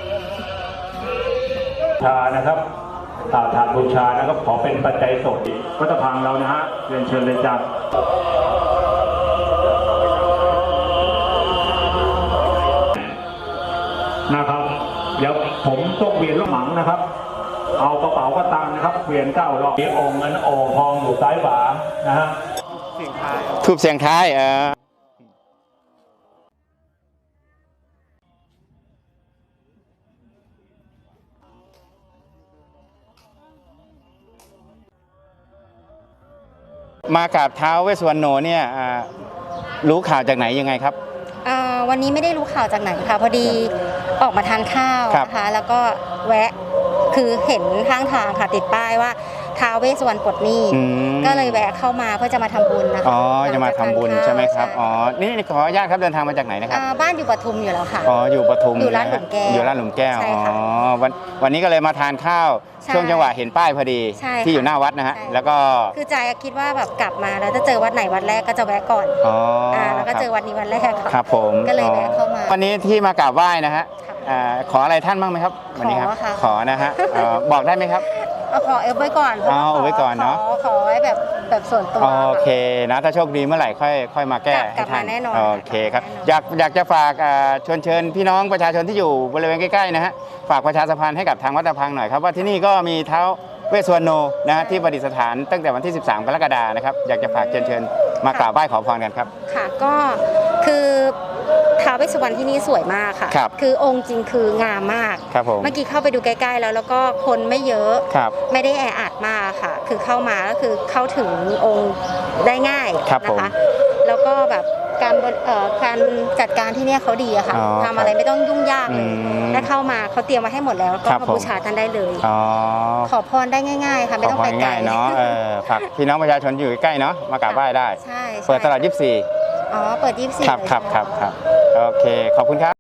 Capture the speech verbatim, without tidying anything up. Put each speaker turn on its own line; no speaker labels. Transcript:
ชานะครับถาดบูชานะครับขอเป็นปัจจัยสดวัดพังเรานะฮะเรียนเชิญเลยจ้ะนะครับเดี๋ยวผมต้องเวียนลูกหมังนะครับเอากระเป๋ากระตังนะครับเวียนเก้ารอบมีองค์เงินโอ่งทองอยู่ซ้ายขวานะฮะ
ทูบเสียงท้ายเออมากับท้าวเวสสุวรรณโนเนี่ยรู้ข่าวจากไหนยังไงครับ
วันนี้ไม่ได้รู้ข่าวจากไหนค่ะพอดีออกมาทานข้าวนะคะแล้วก็แวะคือเห็นข้างทางค่ะติดป้ายว่าท้าวเวสสุวรรณปลดหนี้ก็เลยแวะเข้ามาเพื่อจะมาทำบุญนะคะ
อ๋อจะมาทำบุญใช่ไหมครับอ๋อนี่ขออนุญาตครับเดินทางมาจากไหนนะครับ
บ้านอยู่ปทุมอยู่แล้วค่ะ
อ๋ออยู่ปทุม
อยู่ร้านหลุมแก้ว
อยู่ร้านหลุมแก้วอ๋อวันวันนี้ก็เลยมาทานข้าวช่วงจังหวะเห็นป้ายพอดีที่อยู่หน้าวัดนะฮะแล้วก็
คือใจคิดว่าแบบกลับมาแล้วจะเจอวัดไหนวัดแรกก็จะแวะก่อนอ๋อแล้วก็เจอวัดนี้วัดแรก
ครับผม
ก็เลยแวะเข้ามา
วันนี้ที่มากราบไหว้นะฮะขออะไรท่านบ้างไหมครับวันนี้ครับขอนะฮะบอกได้ไหมครับ
ขอเอฟไว้ก่อน
เอาไว้ก่อนเนาะ
ขอไว้แบบแบบส่วนตัว
โอเคนะถ้าโชคดีเมื่อไหร่ค่อยค่อยมาแก้
ให้ท่านแน่นอน
โอเคครับอยากอยากจะฝากชวนเชิญพี่น้องประชาชนที่อยู่บริเวณใกล้ๆนะฮะฝากประชาสัมพันธ์ให้กับทางวัดตะพังหน่อยครับว่าที่นี่ก็มีท้าวเวสสุวรรณโนนะฮะที่ประดิษฐานตั้งแต่วันที่สิบสามกรกฎาคมนะครับอยากจะฝากเชิญเชิญมากราบไหว้ขอพรกันครับ
ค่ะก็คือท้าวเวสสุวรรณที่นี่สวยมากค่ะคือองค์จริงคืองามมาก
ครับผม
เมื่อกี้เข้าไปดูใกล้ๆแล้วแล้วก็คนไม่เยอะไม่ได้แออัดมากค่ะคือเข้ามาก็คือเข้าถึงองค์ได้ง่ายนะคะแล้วก็แบบการการจัดการที่นี่เขาดีอะค่ะทำอะไรไม่ต้องยุ่งยากเลยถ้าเข้ามาเขาเตรียมมาให้หมดแล้วก็มาบูชาท่านได้เลยขอพรได้ง่ายๆค่ะไม่ต้องไปไกล
เนาะฝากพี่น้องประชาชนอยู่ใกล้เนาะมากราบไหว้ได้เปิดตลาดยี่สิบสี่
อ๋อเปิดยี่สิบสี่
ครับครับครับครับโอเคขอบคุณครับ